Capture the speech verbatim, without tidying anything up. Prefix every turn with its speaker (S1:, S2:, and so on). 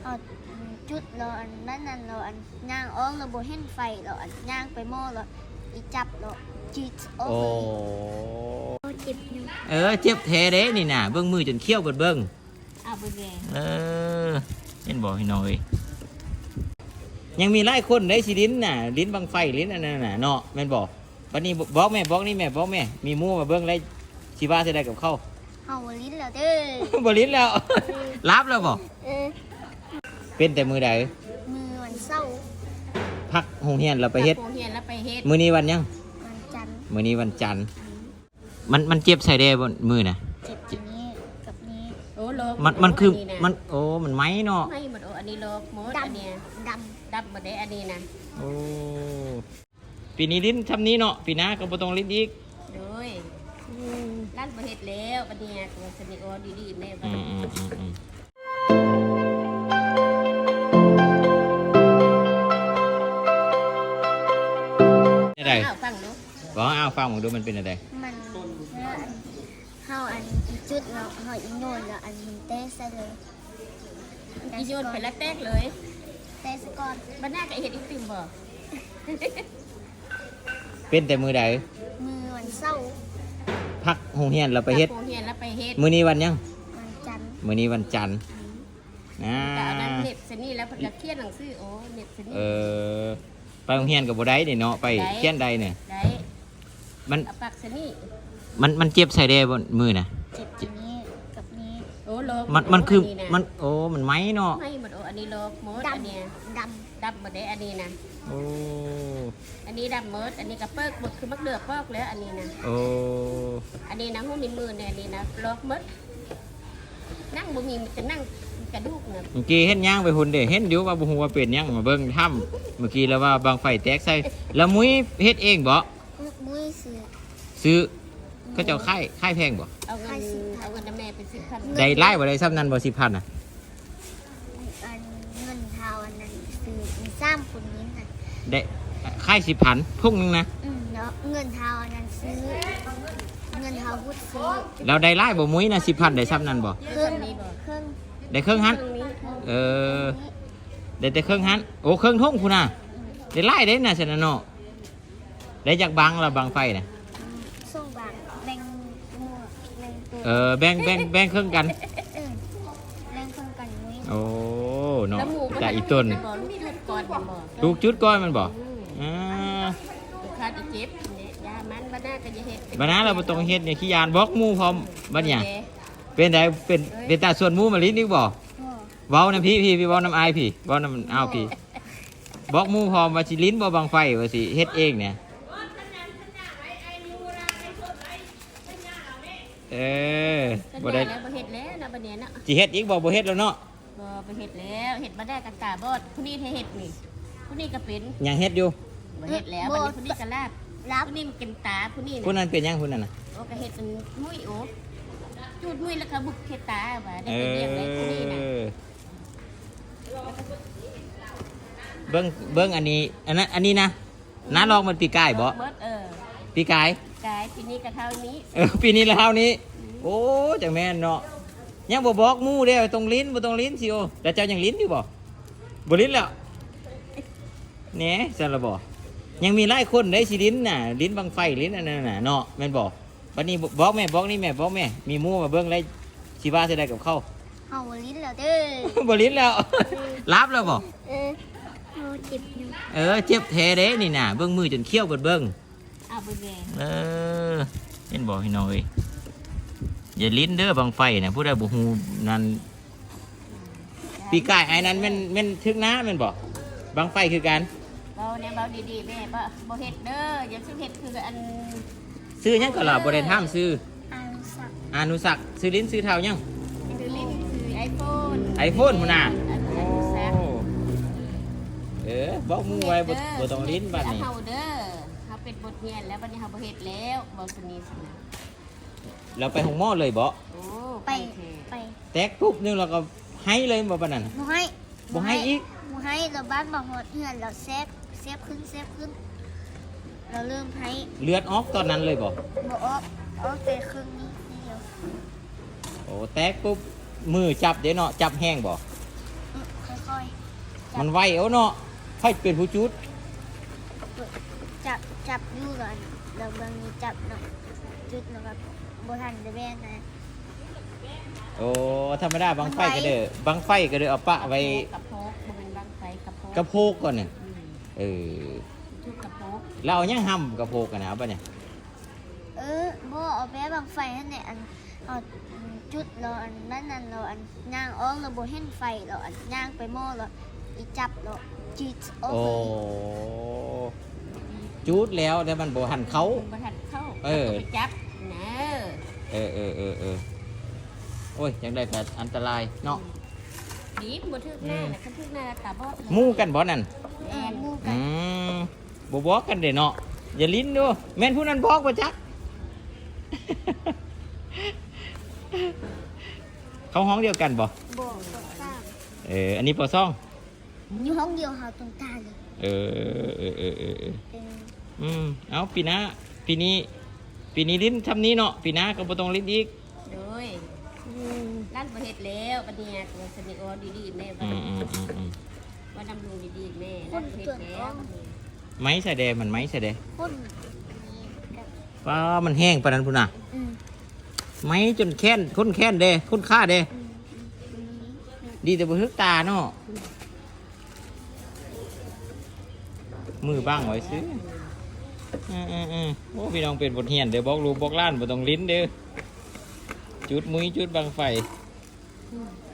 S1: เอาจุดเราอันนั้นนั่นเราอันย่างอ้องเราโบเห็นไฟเราอันย่างไปหม้อเราอีจับเราจีดออก
S2: โอ้
S1: เลยเจ็บอยู่
S2: เออเจ็บแท้เด้นี่น่ะเบิ่งมือจนเขี้ยวเบิดเบิ่ง
S1: เอาไปแดง
S2: เออเห็นบอกให้หน่อยยังมีหลายคนได้สิลิ้นน่ะลิ้นบังไฟลิ้นอันนั้นน่ะเนาะแม่นบอกวันนี้บอกแม่บอกนี่แม่บอกแม่มีหมู่มาเบิ่งได้สิว่าสิได้กับเขา
S1: เฮาลิ้นแล้วเด้อ
S2: บ่ลิ้นแล้ว รับแล้วบ่
S1: เออ
S2: เป็นแต่มือใด
S1: มือวันเศร้า
S2: พักโรงเรียนเราไปเฮ็ด
S3: โรงเรียนแล้วไปเฮ็ด
S2: มื้อนี้วันยัง
S1: วันจันทร์
S2: มื้อนี้วันจันทร์มันมันเจ็บใส่ได้บ่มือน่ะ
S1: เจ็บอันนี้กับนี้
S3: โอ้โลก
S2: มันมันคือ
S3: นะ
S2: มันโอ้มันไหมเนาะ
S3: ไม่หมดโอ้อันนี้โลกหมด
S1: ด
S3: อันเนี้ย
S1: ำด
S3: ดับหมดได้อันนี้นะ
S2: โอ้ปีนี้ลิ้นทำนี้เนาะปีหน้าก็บ่ต้องลิ้นอีก
S3: โดยร้านประเฮ็ดแล้วบัดเนี้ยตัวสนิทโอดีๆแม่บั
S2: อื
S3: ด
S2: มอืมอืมอืมอะไร
S3: อ้าวฟังดู
S2: บอกอ้าวฟังผมดูมันเป็นอะไร
S1: ำมันเฮาอันจุดเราเฮาอีโนนแล้วอันมันเตะใส่เลย
S3: อีโยนไปแล้วแตกเลย
S1: เตะซะก่อน
S3: บัดหน้าก็เฮ็ดอีกติ่มบ่
S2: เป็นแต่มือใด
S1: มือวันเศร้า
S2: พักโรงเรียนเราไปเฮ็ด
S3: โรงเรียนแล้วไปเฮ็ด
S2: มื้อนี้วันยัง
S1: วันจันทร์
S2: มื้อนี้วันจันทร์นะ
S3: ก็เอานั้นเน็บสนี่แล้วเพิ่นก็เขียนหนังสือโอ้เน็บสนี่
S2: เออไปโรงเรียนกับบ่ได้นี่เนาะไป
S3: ได้
S2: เขียนใดเนี่ย
S3: ได้
S2: มัน
S3: เอาปากสนี่
S2: มันมันเจ็บใส่ได้บนมือน่ะ
S1: เจ็บอันนี้กับนี้
S3: โอ้โลก
S2: มันมันคือ
S3: นะ
S2: มันโอ้มันไหมเนาะ
S3: ไม่หมดโอ้อันนี้โลกหมด
S1: ด
S3: อันเนี้ย
S1: ำด
S3: ดับหมดได้อันนี้นะ
S2: โอ้
S3: อันนี้ดำหมดอันนี้ก็เปิกหมดคือมักเดือกพอกแล้วอันนี้นะ
S2: โอ้
S3: อันนี้นะหุ้นในมือเนี่ยอันนี้นะล็อกหมดนั่งบ่มีมันจะนั่งกระดูกเนี่ย
S2: เมื่อกี้เห็นย่างไปหุ่นเด้เห็นอยู่ว่าบ่ฮู้ว่าเป็นหยังมาเบิ่งถ้ำเมื่อกี้แล้วว่าบางไฟแตกใส่แล้วมุ้ยเฮ็ดเองบ่
S1: ำมุ้ยเสือ
S2: ซื้อเขาเจ้าค่ายค่ายแพงบ่
S3: เอาเงินเอาเงินน้ำแม่ไปสิบพัน
S2: ได้ไล่บ่ได้ซ้ำนั้นบ่สิบพันน่ะ
S1: อันเงินเทาอันนั้นซื้อมีสามคนนี้น่ะ
S2: ได้ค่ายสิบพันทุ่งนึงนะ
S1: อืมแล้วเงินเทาอันนั้นซื้อ เงินเทาพุทธซื้อ
S2: เราได้ไล่บ่มุ้ยนะสิบพันได้ซ้ำนั้นบ่
S1: เครื่องนี้เครื่อง
S2: ได้เครื่องหัน
S3: เครื่องนี้
S2: เออได้แต่เครื่องหันโอ้เครื่องทุ่งพุ่นน่ะได้ไล่ได้น่ะซั่นน่ะเนาะได้จากบังละบังไฟน่ะ
S1: ส่งบางแบ่งหมวกแบ่งตัว
S2: เออแบ่งแบ่งแบ่งเครื่องกัน
S1: เออแบ่งเครื่องกันมุ้ย
S2: โอ้เนาะ
S3: แล้วหมูก็
S2: จ่าอีต้น
S3: บ่ลูกจุดก่อนมันบ่
S2: ลูกจุดก้อนมันบอก
S3: อืม
S2: อ่า
S3: ลูกค้าจะเจ็บเนี่ยยามันบ้านหน้าก็จะเฮ็ด
S2: บัดนั้นเราบ่ต้องเฮ็ดเนี่ยขี้ยานบล็อกหมู่พร้อมบัดเนี่ย
S3: โอค
S2: เป็นไดเป็นเป็นตาส่วนหมู่มาลิ้นอีกบ่
S1: พ่อ
S2: เว้านํพี่พี่พี่เว้านํอายพี่เว้านํอ้าวพี่บล็อกหมู่พร้อมว่าสิลิ้นบ่บังไฟว่าสิเฮ็ดเองเนี่ยเออ
S3: บ่
S2: บ่
S3: ได้
S2: ได้
S3: แล้วบ่เฮ็ดแล้วนะบัดเนี้ยเนาะ
S2: สิเฮ็ดอีกบ่บ่เฮ็ดแล้วเนาะ
S3: บ่ไปเฮ็ดแล้วเฮ็ดบ่ได้กันตาบอดผู้นี้เฮ็ดนี่ผู้นี้ก็เป็น
S2: ยังเฮ็ดอยู่
S3: บ่เฮ็ดแล้วบัดนี้ผู้นี้ก็ลาบ
S1: รับ
S3: ผู้นี้มันเป็นตาผู้นี้
S2: ผู้
S3: น่ะ
S2: นั้นเป็นหยังผู้นั้นน่ะ
S3: โอ้ก็เฮ็ดเป็นมุ้ยโอ้จูดมุ้ยแล้วก็บุกเฮ็ดตาว่าได้
S2: เอ
S3: ไปเรียกได้ผู้นี้น่ะ
S2: อเบิ่งเบิ่งอันนี้อันนั้นอันนี้นะน้าลองมันปีกายบ่
S3: เบิดเออ
S2: ปีกาย
S3: กายปีนี้ก็เท่านี้
S2: เออปีนี้แล้วเท่านี้ โอ้จังแม่นเนาะยังบ่บอกหมู่เด้อตรงลิ้นบ่ตรงลิ้นสิโอแต่เจ้ายังลิ้นอยู่บ่บ่ลิ้นแล้วแหน่ซั่นละบ่ยังมีหลายคนได้สิลิ้นน่ะลิ้นบังไฟลิ้นอันนั้นน่ะเนาะแม่นบ่บัดนี้บอกแม่บอกนี่แม่บอกแม่มีหมู่มาเบิ่งได้สิว่าสิได้กับเขา
S1: เฮาลิ้นแล้วเด้อ
S2: บ่ลิ้นแล้ว รับแล้วบ่
S1: เออเฮาเจ็บอยู่
S2: เออเจ็บแท้เด้นี่น่ะเบิ่งมือจนเขี้ยวเบิดเบิ่ง
S3: อ้าวบ่แดง
S2: เออเห็นบ่พี่น้อยอย่าลิ้นเด้อบังไฟน่ะผู้ใดบ่ฮู้นั่นปีกายไอ้นั้นแม่นแม่นทึกน้าแม่นบ่บังไฟคือกัน
S3: เบาเนี่ยเบาดีๆแม่บ่บ่เฮ็ดเด้ออย่าซื้อเฮ็ดคืออัน
S2: ซื้อหยังก็ล่ะบ่ได้ถามซื้อ
S1: อานุสัก
S2: อานุศักดิ์ซื้อลิ้นซื้อเท่ายัง
S3: คือลิ้นคือไอโฟน
S2: ไอโฟนพุ่นน่ะ
S3: อัน
S2: โอ้
S3: นี้แซ่บ
S2: เออบอกหมู่ไว้บ่บ่ต้องลิ้นบัดนี้
S3: เฮาเด้อเฮาเป็นบทเรียนแล้วบัดนี้เฮาบ่เฮ็ดแล้วบ่สนิทสนะ
S2: เราไปห้องหม้อเลยบ่
S3: โอ้
S1: ไป
S3: เถอะ
S1: ไป
S2: แตกปุ๊บนึงเราก็ให้เลยบ่ปานนั้นน่ะ
S1: บ่ให้
S2: บ่ให้อีก
S1: บ่ให้เราบ้านบ่ฮอดเฮือนเราเซฟเซฟขึ้นเซฟขึ้น เราเริ่มให้
S2: เลือดออกตอนนั้นเลยบ่
S1: บ่ออกออกแต่ครึ่งนี้เดียว
S2: โอ้แตกปุ๊บมือจับเด้เนาะจับแห้งบ่
S1: อื้อเขาค่อย
S2: มันไวเอาเนาะค่อยเป็นผู้จุด
S1: จับจับอยู่ก่อนแล้วบางทีจับเนาะจุดแล้วก็บ่ทันได้แม่นนะ
S2: โอ้ธรรมดาบังไฟก็เด้อบังไฟก็เด้อเอาปะไว้
S3: กระโพกบ่เป็นบางไฟกระโพก
S2: กระโพกก่อนเนี่ย
S3: อืม
S2: เออ
S3: ชุดกระโพก
S2: เราเอายังห้ำกระโพกกันนะเอาปะเนี่ย
S1: เออบ่เอาแป๊บางไฟนั่นแหละอันเอาจุดแล้วอันนั้นนั่นแล้วอันย่างออกแล้วบ่เห็นไฟแล้วอันย่างไปหม้อแล้วอีจับแล้วจีดออก
S2: โอ้
S1: เลย
S2: จุดแล้วแต่มันบ่หันเขา
S3: บ่ทันเข้า
S2: เออ
S3: าไปจับนะ
S2: เออเออเออเออโอ้ยยังได้แต่อันตรายเนาะ
S3: ดีบ่ทึกหน้าน่ะคันทึกหน้าตาบอด
S2: หมู่กันบ่นั่น
S1: เออหมู่กั
S2: อื
S1: น
S2: มบ่บอกกันเด้เนาะอย่าลิ้นดูแม่นผู้นั้นบอกบ่จัก เขาห้องเดียวกันบ่
S1: บ่บ่ทราบ
S2: เอออันนี้ปอซ่อง
S1: อยู่ห้องเดียวหาตรงตาเลย
S2: เออเออเออเออเออ
S1: เป็น
S2: อืมเอาปีหน้าปีนี้ ปีนี้ลิ้นทำนี้เนาะปีหน้าก็บ่ต้องลิ้นอีก
S3: โดยร้านบ่เฮ็ดแล้วบัดเนี้ยตัวสนิทออดีๆแม่ว่า
S2: อืมอืมอืมอืม
S3: ว่าดำรงดีๆแม่ร้านบ่เฮ็ดแล้วบัดนี้
S2: ไม้ใส่แดงมันไม้ใส่แดง
S1: คนนี้กับ
S2: ป้ามันแห้งปานนั้นพุ่นน่ะ
S1: อืม
S2: ไม้จนแค้นคนแค้นเด้คนฆ่าเด้
S1: อืมอืมอืม
S2: ดีแต่บ่ทึกตาเนาะมือบ้างไว้ซื้ออืมอืมอืมโอ้พี่น้องเป็นบทเรียนเดี๋ยวบอกลูกบอกหล้านบ่ต้องลิ้นเด้อจุดมุ้ยจุดบังไฟ
S3: อืม